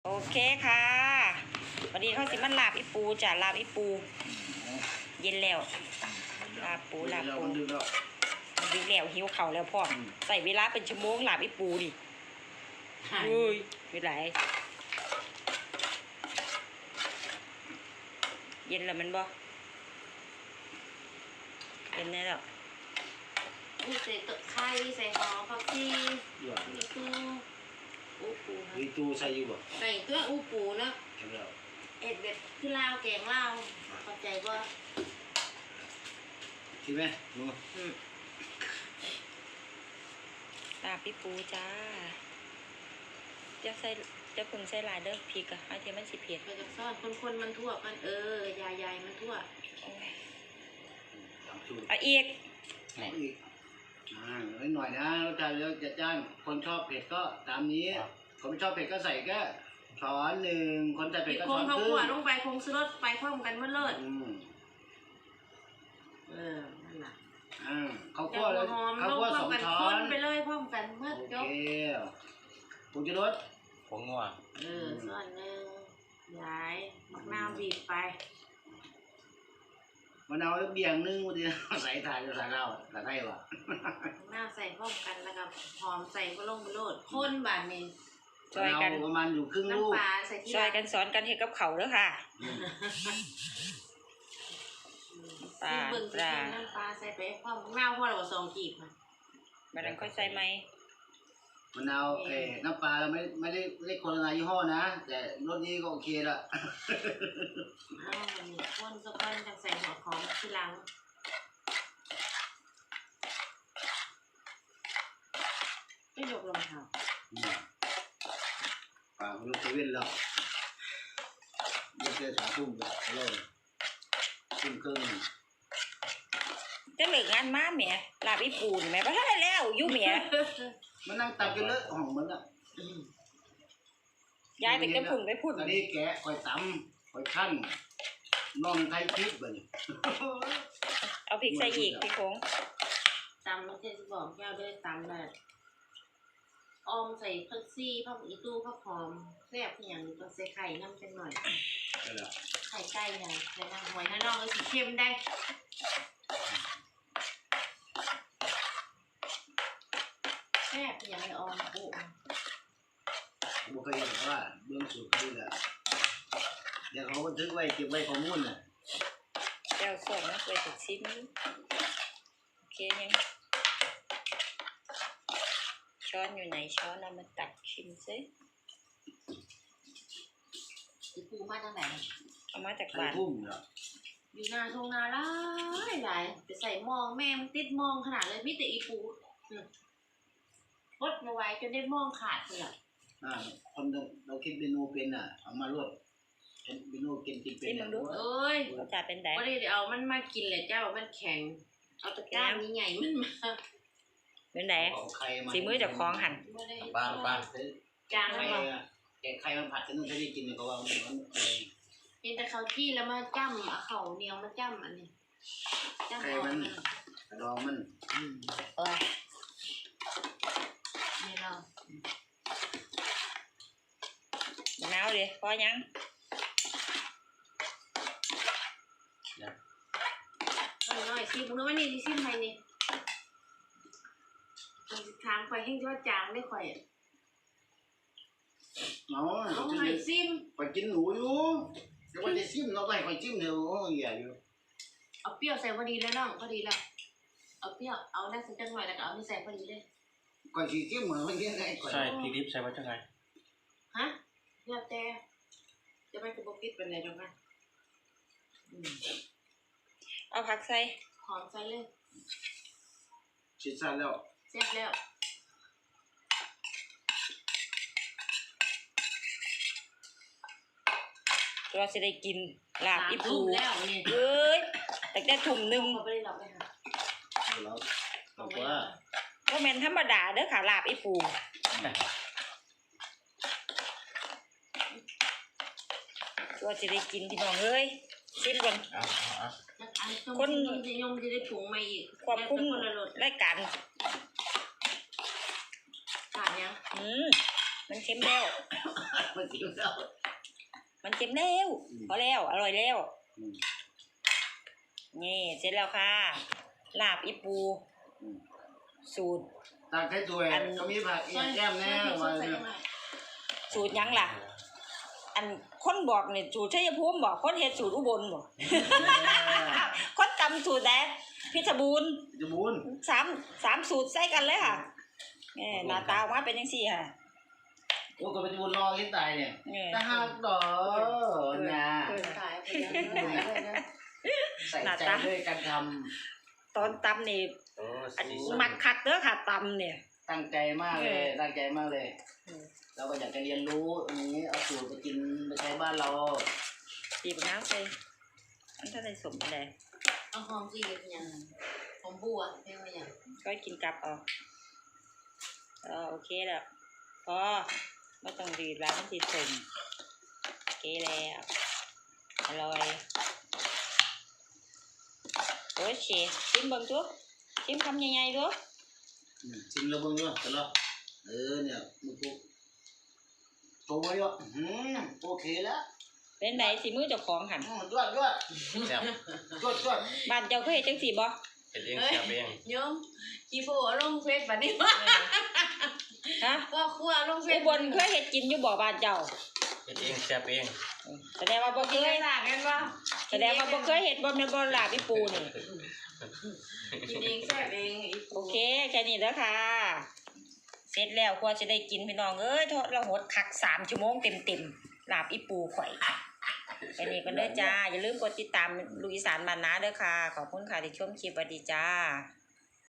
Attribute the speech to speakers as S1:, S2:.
S1: โอเคค่ะวันนี้เขาสิมันลาบอีปูจ้ะลาบอีปูเย็นแล้วลาบปูดึกแล้วหิวเข่าแล้วพ่อใส่เวลาเป็นชั่วโมงลาบอีปูดิเฮ้ยไม่ไหลเย็นแล้วมันบ่เย็นแน่แล้ว
S2: มีใส่ตะไคร้ใส่หอมผักชีมีตู้อูปู
S3: มีตู้ใส่อยู่บ่
S2: ใส่ตัวอูปูเนาะ
S3: ใช่แล้ว
S2: เอ็ดแบบคือลาวแกงลาวเข้าใจว่า
S3: ใช่ไหมหนู
S1: ลาบอีปูจ้าจะใส่จะพึ่งใส่ลายเด้อพริกอะให้เทียมมันสิเผ็ด
S2: ไปจากซ่อนคนมันทั่วกันยายมันทั่ว
S1: เอาอีก
S3: อีกหน่อยนะรสชาติแล้วจะจ้านคนชอบเผ็ดก็ตามนี้คนไม่ชอบเผ็ดก็ใส่แค่ช้อนหนึ่งคนใส่เผ็ดก็ช้อนครึ่ง
S2: เขาขวดลงไปคงซื้อรถไปพร้อมกันเมื่อเลิศนั่นแหละ
S3: ข้าวคั่วเลยข้าวคั่ว2 ช้อน
S2: ไปเลยพร้อมกันเมื่อจบ
S3: ผงชูรส
S4: ผงนัว
S2: ส่วนหนึ่งย้ายมะนาวบีบไป
S3: มะนาวเบี่ยงนึงวันเดียวใส่ถ่ายจะใส่เหล้าใส่ได้ปะ
S2: หน้าใส่พร้อมกันแล้วก็หอมใส่ก็ลงไปโลดข้นบานนี้
S1: ช่วยกัน
S3: ประมาณอยู่ครึ่งลูก
S1: ช่วยกันสอนกันเห็ดกับเขาเด้อค่ะ
S2: ปลาน้ำปลาใส่ไปพร้อมมะนาวพอเรา2 กีบ
S1: มันนั้นค่อยใส่ไหม
S3: มะนาวน้ำปลาเราไม่ได้โฆษณายี่ห้อนะแต่รสนี้ก็โอเคละ
S2: คนสักคนจะใส่หัวหอมทีหลังไม่ยกลงค่ะ
S3: ปลาคุณลูกเว้นแล้วยกเจอ3 ทุ่มเลยทุ่มครึ่ง
S1: จะเหลืองานมาเมียลาบอีปูนแม่บ่ทันได้แล้วอยู่เมีย
S3: มันนั่งตักกันเลอะห้องมันอ่ะ
S1: ย้ายไปกระพุ่นไปพุ่น
S3: ตอนนี้แกะคอยตำคอยขั้นน้องไทยพริกบ่นี่
S1: เอาพริกใส่อีกพี่คง
S2: ตำมันจะบอกยาวด้วยตำแบบออมใส่ผักชีผักอีตู้ผักหอมแซ่บอย่างนี้ต้องใส่ไข่น้ำเป็นหน่อยไข่ไก่เนี่ยใส่น้ำหอยน้ำนองก็สีเข้มได้แซ่บอย่างไรออมโอ้
S3: บุคคลว่าเบื้องสูงขึ้นแล้วเดี๋ยวเขาบันทึกไว้เก็บไว้ข้อมูลน่ะ
S1: เจ้าสดนะไปติดชิมโอเคยังช้อนอยู่ไหนช้อนเอามาตักชิมซิ
S2: อีปูมาจากไหน
S1: เอามาจากบ้าน
S2: อยู่นาทงนาหลายจะใส่มองแม่มันติดมองขนาดเลยมิแต่อีปูพดมาไว้จนได้มองขาดเลย
S3: คนเราคิดเมนูเป็นเอามาลวกเมนูกินเป็น
S2: เอ้ย
S1: รสชาติเป็นไง
S2: ก็ได้เอามันมากินเลยเจ้ามันแข็งเอาตะกร้านี้ใหญ่มันมา
S1: เป็นไงสีมือจากคล้องหั่น
S4: บ้าน
S2: จางแล้ว
S3: แกงไข่มันผัดฉันต้องใช้ได้กินเลยเพราะว่ามัน
S2: เป็นแต่เขาที่แล้วมาจ้ำเอาเขาเหนียวมาจ้ำอันนี้
S3: จ้ำไข่มันดองมัน
S2: นี่เรา
S1: มะนาวดิพอยัง
S2: น้อยชิมนู้นนี่ชิมไปนี่ทางไฟแห้งยอดจางได้ข่อย
S3: น้อง
S2: ซิม
S3: ไปกินหนูอยู่แต่ว่าจะซิมเราไปไปจิ้มเดี๋ยวใหญ่อยู่
S2: เอาเปรี้ยวใส่พอดีแล้วน้องพอดีแล้วเอาเปรี้ยวเอาได้สักจังหน่อยแล้วก็เอานี่ใส่พอดีเลย
S3: ก่อนฉีดจิ้มเหมือนเมื่อกี้ไง
S4: ใช่พริกดิบใส่ไว้จังไง
S2: ฮะเนี่ยแต่จะไม่กระบอกปิดเป็นไรจังกัน
S1: เอาผักใส่
S2: หอมใส่เลย
S3: ฉีดใส่แล้ว
S2: เสร็จแล้ว
S1: เราจะได้กินลาบอีปู
S2: แล้วนี่
S1: เอ้ยแต่ได้ถุ่มนึง
S2: ไม่ได้หลับเลยค่ะ
S3: เราว่า
S1: ก็เป็นธรรมดาเด้อค่ะลาบอีปูเราจะได้กินพี่น้องเอ้ยชิมก่อน
S2: คนยมจะได้ถุงมาอีก
S1: ความคุ้มรายการ
S2: ขาดยัง
S1: มันเค็มแล้ว
S3: มันจริงแล้ว
S1: มันเค็มแล้วพอแล้วอร่อยแล้ว
S3: อืม
S1: นี่เสร็จแล้วค่ะลาบอีปู
S3: อืม
S1: สูตร
S3: ตักให้ตัวก็มีผักอีกแก้มแน่วัน
S1: สูตรหยังล่ะ อันคนบอกเนี่ยสูตรชัยภูมิบอกคนเฮ็ดสูตรอุบลบอกคนจำสูตรแดกพิชรบูรณ์
S3: จะบุญ
S1: สามสูตรใส่กันเลยค่ะหน้าตาออกมาเป็นจังซี่ค่ะ
S3: โอ้ก็เป็นบุญรอที่ตายเนี่ย
S1: เออ
S3: ถ้าหักดอกนะ
S2: ขายไปยังไม่ไหวเลยนะ
S3: ใส่ใจด้วยการท
S1: ตอนตำนี่
S4: โอ้
S1: อัน
S4: สีสัน
S1: มักคักเด้อค่ะตำเนี่ย
S3: ำตั้งใจมากเลยตั้งใจมากเลย
S1: เออ
S3: เราก็อยากจะเรียนรู้อันนี้เอาสูตรไปกินไปใช้บ้านเรา
S1: ตีบน้ำใส่อันถ้าได้สมอะไร
S2: เอาหอมจีบยังหอมบัวเรียกว่าอย่าง
S1: ก็กินกลับเอาโอเคแล้วพอไม่ต้องดีดแล้วมันสิสมโอเคแล้วอร่อยโอ้ยเชฟชิมเบิ่งจุ๊บชิมคำใหญ่ๆดู
S3: ชิมแล้วเบิ่งด้วยกันแล้วเนี่ยมึงกูโชว์ไว้ด้วยโอเคแล้ว
S1: เป็นไหนสิมือเจ้าของหัน
S3: ด้วย
S4: แซ่บ
S3: ด้วย
S1: บ้านเจ้าเคยเฮ็ดจังซี่บ่
S4: เห็ดเองเสียบเอง
S2: โยมกีโฟลงเฟซบัดนี้ว่า
S1: ฮะ
S2: พ่อครัวลงเฟ
S1: อุ
S2: ซ
S1: บลเคยเฮ็ดกินอยู่บ่บ้านเจ้า
S4: เห็ดเองเสียบเอง
S1: แสดงว่าบ่เค
S2: กิน
S1: ย
S2: ได้ต่างกันว่า
S1: แสดงว่าบ่เคยเฮ็ดบ่แม่นบ่ลาบอีปูนี่
S2: กินเองแซ่บเองอีก
S1: โอเคแค่นี้เด้อค่ะ เสร็จแล้วกว่าจะได้กินพี่น้องเอ้ยทอดละหดคัก3 ชั่วโมงเต็มๆลาบอีปูข่อยแค่นี้ก็เด้อจ้าอย่าลืมกดติดตามลูกอีสานบ้านนาเด้อค่ะขอบคุณค่ะที่ชมคลิปสวัสดีจ้า